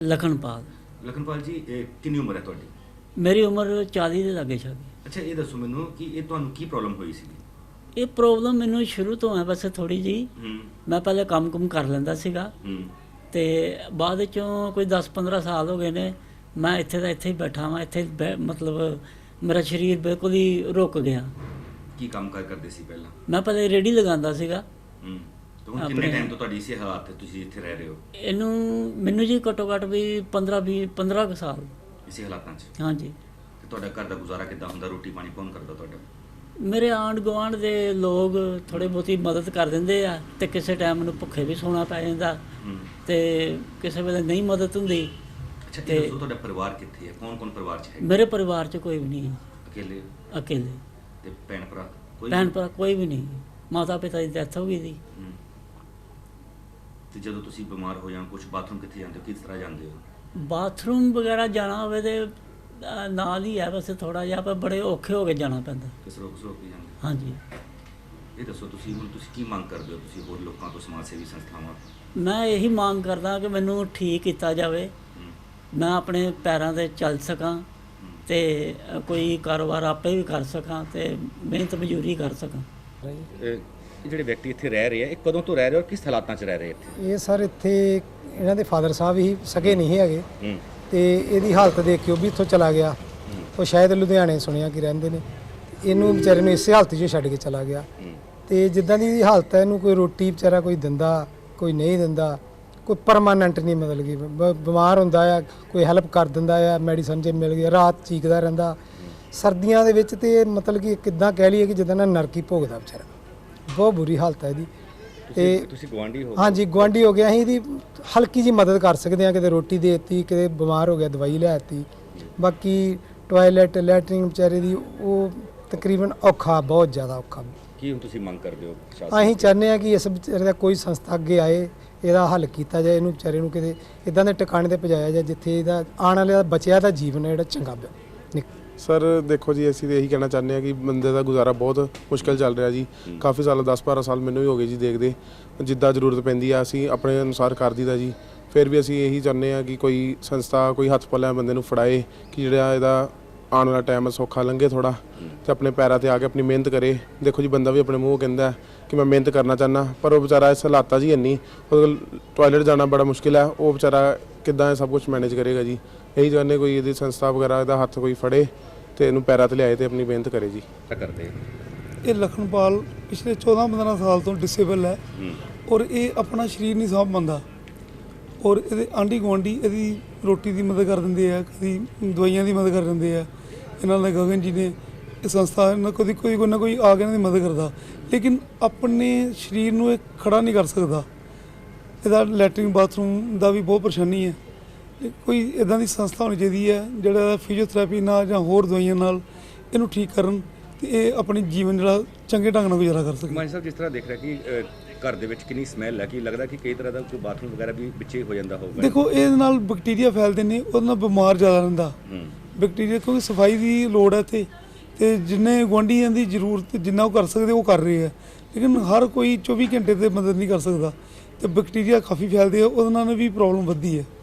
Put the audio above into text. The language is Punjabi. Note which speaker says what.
Speaker 1: ਲਖਨਪਾਲ।
Speaker 2: ਲਖਨਪਾਲ ਜੀ, ਕਿੰਨੀ ਉਮਰ ਹੈ ਤੁਹਾਡੀ?
Speaker 1: ਮੇਰੀ ਉਮਰ 40 ਦੇ ਲਾਗੇ ਛਾਗੇ।
Speaker 2: ਅੱਛਾ, ਇਹ ਦੱਸੋ ਮੈਨੂੰ ਕਿ ਇਹ ਤੁਹਾਨੂੰ ਕੀ ਪ੍ਰੋਬਲਮ ਹੋਈ ਸੀ?
Speaker 1: ਇਹ ਪ੍ਰੋਬਲਮ ਮੈਨੂੰ ਸ਼ੁਰੂ ਤੋਂ ਹੈ ਵੈਸੇ ਥੋੜੀ ਜੀ। ਮੈਂ ਪਹਿਲੇ ਕੰਮ ਕਰ ਲੈਂਦਾ ਸੀਗਾ ਤੇ ਬਾਅਦ ਵਿੱਚੋਂ ਕੋਈ 10-15 ਸਾਲ ਹੋ ਗਏ ਨੇ ਮੈਂ ਇੱਥੇ ਦਾ ਇੱਥੇ ਹੀ ਬੈਠਾ ਵਾਂ। ਇੱਥੇ ਮਤਲਬ ਮੇਰਾ ਸਰੀਰ ਬਿਲਕੁਲ ਹੀ ਰੁਕ ਗਿਆ।
Speaker 2: ਕੀ ਕੰਮ ਕਰਦੇ ਸੀ ਪਹਿਲਾਂ?
Speaker 1: ਮੈਂ ਪਹਿਲੇ ਰੇਹੜੀ ਲਗਾਉਂਦਾ ਸੀਗਾ।
Speaker 2: ਤੇ ਹੁਣ ਕਿੰਨੇ ਟਾਈਮ ਤੋਂ ਤੁਹਾਡੀ ਇਸੇ ਹਾਲਾਤ ਤੇ ਤੁਸੀਂ ਇੱਥੇ ਰਹਿ ਰਹੇ ਹੋ?
Speaker 1: ਮੈਨੂੰ ਜੀ ਘੱਟੋ ਘੱਟ ਵੀ 15 ਕੁ ਸਾਲ
Speaker 2: ਇਸੇ ਹਾਲਾਤਾਂ 'ਚ।
Speaker 1: ਹਾਂਜੀ।
Speaker 2: ਤੇ ਤੁਹਾਡਾ ਘਰ ਦਾ ਗੁਜ਼ਾਰਾ ਕਿੱਦਾਂ ਹੁੰਦਾ? ਰੋਟੀ ਪਾਣੀ ਕੌਣ ਕਰਦਾ ਤੁਹਾਡਾ?
Speaker 1: ਮੇਰੇ ਆਂਢ ਗੁਆਂਢ ਦੇ ਲੋਕ ਥੋੜ੍ਹੀ ਬਹੁਤੀ ਮਦਦ ਕਰ ਦਿੰਦੇ ਆ ਤੇ ਕਿਸੇ ਟਾਈਮ ਮੈਨੂੰ ਭੁੱਖੇ ਵੀ ਸੌਣਾ ਪੈ ਜਾਂਦਾ ਤੇ ਕਿਸੇ ਵੇਲੇ ਨਹੀਂ ਮਦਦ ਹੁੰਦੀ।
Speaker 2: ਅੱਛਾ, ਇਹ ਦੱਸੋ ਤੁਹਾਡਾ ਪਰਿਵਾਰ ਕਿੱਥੇ ਹੈ? ਕੌਣ ਪਰਿਵਾਰ 'ਚ ਹੈ?
Speaker 1: ਮੇਰੇ ਪਰਿਵਾਰ 'ਚ ਕੋਈ ਵੀ ਨਹੀਂ ਹੈ। ਅਕੇਲੇ।
Speaker 2: ਤੇ ਭੈਣ ਭਰਾ
Speaker 1: ਕੋਈ ਵੀ ਨਹੀਂ। ਮਾਤਾ ਪਿਤਾ ਦੀ ਡੈਥ ਹੋ ਗਈ ਸੀ।
Speaker 2: ਤੇ ਜਦੋਂ ਤੁਸੀਂ ਬਿਮਾਰ ਹੋ ਜਾਂ ਕੁਝ ਬਾਥਰੂਮ ਕਿੱਥੇ ਜਾਂਦੇ ਹੋ? ਕਿਸ ਤਰ੍ਹਾਂ ਜਾਂਦੇ ਹੋ?
Speaker 1: ਬਾਥਰੂਮ ਵਗੈਰਾ ਜਾਣਾ ਹੋਵੇ ਤੇ ਨਾਲ ਹੀ ਹੈ ਵੈਸੇ ਥੋੜਾ ਜਿਹਾ, ਪਰ ਬੜੇ ਔਖੇ ਹੋ ਕੇ ਜਾਣਾ ਪੈਂਦਾ।
Speaker 2: ਕਿਸ ਰੋਕ ਕੇ ਜਾਂਦੇ?
Speaker 1: ਹਾਂਜੀ।
Speaker 2: ਇਹ ਦੱਸੋ ਤੁਸੀਂ ਕੀ ਮੰਗ ਕਰਦੇ ਹੋ? ਤੁਸੀਂ ਹੋਰ ਲੋਕਾਂ ਤੋਂ, ਸਮਾਜ ਸੇਵੀ ਸੰਸਥਾਵਾਂ?
Speaker 1: ਮੈਂ ਇਹੀ ਮੰਗ ਕਰਦਾ ਕਿ ਮੈਨੂੰ ਠੀਕ ਕੀਤਾ ਜਾਵੇ, ਮੈਂ ਆਪਣੇ ਪੈਰਾਂ 'ਤੇ ਚੱਲ ਸਕਾਂ ਤੇ ਕੋਈ ਕਾਰੋਬਾਰ ਆਪੇ ਵੀ ਕਰ ਸਕਾਂ ਤੇ ਮਿਹਨਤ ਮਜ਼ਦੂਰੀ ਕਰ ਸਕਾਂ।
Speaker 2: ਜਿਹੜੇ ਵਿਅਕਤੀ ਇੱਥੇ ਰਹਿ ਰਹੇ ਆ, ਇਹ ਕਦੋਂ ਤੋਂ ਰਹਿ ਰਹੇ ਔਰ ਕਿਸ ਹਾਲਾਤਾਂ 'ਚ ਰਹਿ ਰਹੇ ਇੱਥੇ?
Speaker 3: ਇਹ ਸਰ ਇੱਥੇ ਇਹਨਾਂ ਦੇ ਫਾਦਰ ਸਾਹਿਬ ਹੀ ਸਕੇ ਨਹੀਂ ਹੈਗੇ ਤੇ ਇਹਦੀ ਹਾਲਤ ਦੇਖ ਕੇ ਉਹ ਵੀ ਇੱਥੋਂ ਚਲਾ ਗਿਆ। ਉਹ ਸ਼ਾਇਦ ਲੁਧਿਆਣੇ ਸੁਣਿਆ ਕਿ ਰਹਿੰਦੇ ਨੇ। ਇਹਨੂੰ ਵਿਚਾਰੇ ਨੂੰ ਇਸੇ ਹਾਲਤ 'ਚ ਛੱਡ ਕੇ ਚਲਾ ਗਿਆ ਤੇ ਜਿੱਦਾਂ ਦੀ ਇਹਦੀ ਹਾਲਤ ਹੈ, ਇਹਨੂੰ ਕੋਈ ਰੋਟੀ ਵਿਚਾਰਾ ਕੋਈ ਦਿੰਦਾ, ਕੋਈ ਨਹੀਂ ਦਿੰਦਾ, ਕੋਈ ਪਰਮਾਨੈਂਟ ਨਹੀਂ। ਮਤਲਬ ਕਿ ਬਿਮਾਰ ਹੁੰਦਾ ਆ, ਕੋਈ ਹੈਲਪ ਕਰ ਦਿੰਦਾ ਆ, ਮੈਡੀਸਨ ਜੇ ਮਿਲ ਗਿਆ, ਰਾਤ ਚੀਕਦਾ ਰਹਿੰਦਾ। ਸਰਦੀਆਂ ਦੇ ਵਿੱਚ ਤੇ ਮਤਲਬ ਕਿ ਕਿੱਦਾਂ ਕਹਿ ਲਈਏ ਕਿ ਜਿੱਦਾਂ ਨਾ ਨਰਕੀ ਭੋਗਦਾ ਵਿਚਾਰਾ। ਬਹੁਤ ਬੁਰੀ ਹਾਲਤ ਹੈ ਇਹਦੀ। ਤੇ
Speaker 2: ਤੁਸੀਂ ਗਵਾਂਢੀ ਹੋ? ਹਾਂਜੀ,
Speaker 3: ਗੁਆਂਢੀ ਹੋ ਗਿਆ। ਅਸੀਂ ਇਹਦੀ ਹਲਕੀ ਜੀ ਮਦਦ ਕਰ ਸਕਦੇ ਹਾਂ, ਕਿਤੇ ਰੋਟੀ ਦੇ ਦਿੱਤੀ, ਕਿਤੇ ਬਿਮਾਰ ਹੋ ਗਿਆ ਦਵਾਈ ਲੈ ਦਿੱਤੀ। ਬਾਕੀ ਟਾਇਲਟ ਲੈਟਰਿੰਗ ਵਿਚਾਰੇ ਦੀ ਉਹ ਤਕਰੀਬਨ ਔਖਾ, ਬਹੁਤ ਜ਼ਿਆਦਾ ਔਖਾ।
Speaker 2: ਕੀ ਹੁਣ ਤੁਸੀਂ ਮੰਗ ਕਰਦੇ ਹੋ?
Speaker 3: ਅਸੀਂ ਚਾਹੁੰਦੇ ਹਾਂ ਕਿ ਇਸ ਵਿਚਾਰੇ ਦਾ ਕੋਈ ਸੰਸਥਾ ਅੱਗੇ ਆਏ, ਇਹਦਾ ਹੱਲ ਕੀਤਾ ਜਾਏ, ਇਹਨੂੰ ਵਿਚਾਰੇ ਨੂੰ ਕਿਤੇ ਇੱਦਾਂ ਦੇ ਟਿਕਾਣੇ 'ਤੇ ਪਹੁੰਚਾਇਆ ਜਾਏ ਜਿੱਥੇ ਇਹਦਾ ਆਉਣ ਵਾਲੇ ਬਚਿਆ ਦਾ ਜੀਵਨ ਹੈ ਜਿਹੜਾ ਚੰਗਾ
Speaker 4: ਸਰ ਦੇਖੋ ਜੀ, ਅਸੀਂ ਤਾਂ ਇਹੀ ਕਹਿਣਾ ਚਾਹੁੰਦੇ ਹਾਂ ਕਿ ਬੰਦੇ ਦਾ ਗੁਜ਼ਾਰਾ ਬਹੁਤ ਮੁਸ਼ਕਿਲ ਚੱਲ ਰਿਹਾ ਜੀ। ਕਾਫੀ ਸਾਲ 10-12 ਸਾਲ ਮੈਨੂੰ ਵੀ ਹੋ ਗਏ ਜੀ ਦੇਖਦੇ। ਜਿੱਦਾਂ ਜ਼ਰੂਰਤ ਪੈਂਦੀ ਆ ਅਸੀਂ ਆਪਣੇ ਅਨੁਸਾਰ ਕਰ ਦਈਦਾ ਜੀ। ਫਿਰ ਵੀ ਅਸੀਂ ਇਹੀ ਚਾਹੁੰਦੇ ਹਾਂ ਕਿ ਕੋਈ ਸੰਸਥਾ, ਕੋਈ ਹੱਥ ਪੱਲਿਆਂ ਬੰਦੇ ਨੂੰ ਫੜਾਏ ਕਿ ਜਿਹੜਾ ਇਹਦਾ ਆਉਣ ਵਾਲਾ ਟਾਈਮ ਸੌਖਾ ਲੰਘੇ ਥੋੜ੍ਹਾ, ਅਤੇ ਆਪਣੇ ਪੈਰਾਂ 'ਤੇ ਆ ਕੇ ਆਪਣੀ ਮਿਹਨਤ ਕਰੇ। ਦੇਖੋ ਜੀ, ਬੰਦਾ ਵੀ ਆਪਣੇ ਮੂੰਹ ਕਹਿੰਦਾ ਕਿ ਮੈਂ ਮਿਹਨਤ ਕਰਨਾ ਚਾਹੁੰਦਾ, ਪਰ ਉਹ ਵਿਚਾਰਾ ਇਸ ਹਾਲਾਤਾਂ 'ਚ ਹੀ ਇੰਨੀ, ਉਹਦੇ ਕੋਲ ਟਾਇਲਟ ਜਾਣਾ ਬੜਾ ਮੁਸ਼ਕਿਲ ਹੈ। ਉਹ ਵਿਚਾਰਾ ਕਿੱਦਾਂ ਇਹ ਸਭ ਕੁਝ ਮੈਨੇਜ ਕਰੇਗਾ ਜੀ? ਇਹੀ ਚਾਹੁੰਦੇ ਕੋਈ ਇਹਦੀ ਸੰਸਥਾ ਵਗੈਰਾ ਇਹਦਾ ਹੱਥ ਕੋਈ ਫੜੇ ਤੇ ਇਹਨੂੰ ਪੈਰਾਂ 'ਤੇ ਲਿਆਏ ਤੇ ਆਪਣੀ ਮਿਹਨਤ ਕਰੇ ਜੀ।
Speaker 2: ਕਰਦੇ
Speaker 5: ਇਹ ਲਖਨਪਾਲ ਪਿਛਲੇ 14-15 ਸਾਲ ਤੋਂ ਡਿਸੇਬਲ ਹੈ ਔਰ ਇਹ ਆਪਣਾ ਸਰੀਰ ਨਹੀਂ ਸਾਂਭ ਪਾਉਂਦਾ ਔਰ ਇਹਦੇ ਆਂਢੀ ਗੁਆਂਢੀ ਇਹਦੀ ਰੋਟੀ ਦੀ ਮਦਦ ਕਰ ਦਿੰਦੇ ਆ, ਕਦੀ ਦਵਾਈਆਂ ਦੀ ਮਦਦ ਕਰ ਦਿੰਦੇ ਆ। ਇਹਨਾਂ ਦੇ ਗਗਨ ਜੀ ਨੇ ਇਹ ਸੰਸਥਾ ਨਾਲ ਕੋਈ ਨਾ ਕੋਈ ਆ ਕੇ ਇਹਨਾਂ ਦੀ ਮਦਦ ਕਰਦਾ, ਲੇਕਿਨ ਆਪਣੇ ਸਰੀਰ ਨੂੰ ਇਹ ਖੜਾ ਨਹੀਂ ਕਰ ਸਕਦਾ। ਇਹਦਾ ਲੈਟਰਿੰਗ ਬਾਥਰੂਮ ਦਾ ਵੀ ਬਹੁਤ ਪਰੇਸ਼ਾਨੀ ਹੈ। ਕੋਈ ਇੱਦਾਂ ਦੀ ਸੰਸਥਾ ਹੋਣੀ ਚਾਹੀਦੀ ਹੈ ਜਿਹੜਾ ਫਿਜ਼ੀਓਥੈਰੇਪੀ ਨਾਲ ਜਾਂ ਹੋਰ ਦਵਾਈਆਂ ਨਾਲ ਇਹਨੂੰ ਠੀਕ ਕਰਨ ਤੇ ਇਹ ਆਪਣੀ ਜੀਵਨ ਜਿਹੜਾ ਚੰਗੇ ਢੰਗ ਨਾਲ ਗੁਜ਼ਾਰਾ ਕਰ ਸਕੇ।
Speaker 2: ਮਾਨ ਸਾਹਿਬ, ਜਿਸ ਤਰ੍ਹਾਂ ਦੇਖ ਰਿਹਾ ਕਿ ਘਰ ਦੇ ਵਿੱਚ ਕਿੰਨੀ ਸਮੈਲ ਹੈ, ਕਿ ਲੱਗਦਾ ਕਿ ਕਈ ਤਰ੍ਹਾਂ ਦਾ ਕੋਈ ਬਾਥਰੂਮ ਵਗੈਰਾ ਵੀ ਵਿੱਚੇ ਹੋ ਜਾਂਦਾ ਹੋਊਗਾ?
Speaker 5: ਦੇਖੋ, ਇਹਦੇ ਨਾਲ ਬੈਕਟੀਰੀਆ ਫੈਲਦੇ ਨੇ, ਉਹਦੇ ਨਾਲ ਬਿਮਾਰ ਜ਼ਿਆਦਾ ਰਹਿੰਦਾ ਬੈਕਟੀਰੀਆ, ਕਿਉਂਕਿ ਸਫਾਈ ਦੀ ਲੋੜ ਹੈ ਇੱਥੇ ਤੇ ਜਿੰਨੇ ਗੁਆਂਢੀਆਂ ਦੀ ਜ਼ਰੂਰਤ ਜਿੰਨਾ ਉਹ ਕਰ ਸਕਦੇ ਉਹ ਕਰ ਰਹੇ ਆ, ਲੇਕਿਨ ਹਰ ਕੋਈ 24 ਘੰਟੇ ਤੇ ਮਦਦ ਨਹੀਂ ਕਰ ਸਕਦਾ ਤੇ ਬੈਕਟੀਰੀਆ ਕਾਫੀ ਫੈਲਦੇ ਆ, ਉਹਦੇ ਨਾਲ ਵੀ ਪ੍ਰੋਬਲਮ ਵੱਧਦੀ ਹੈ।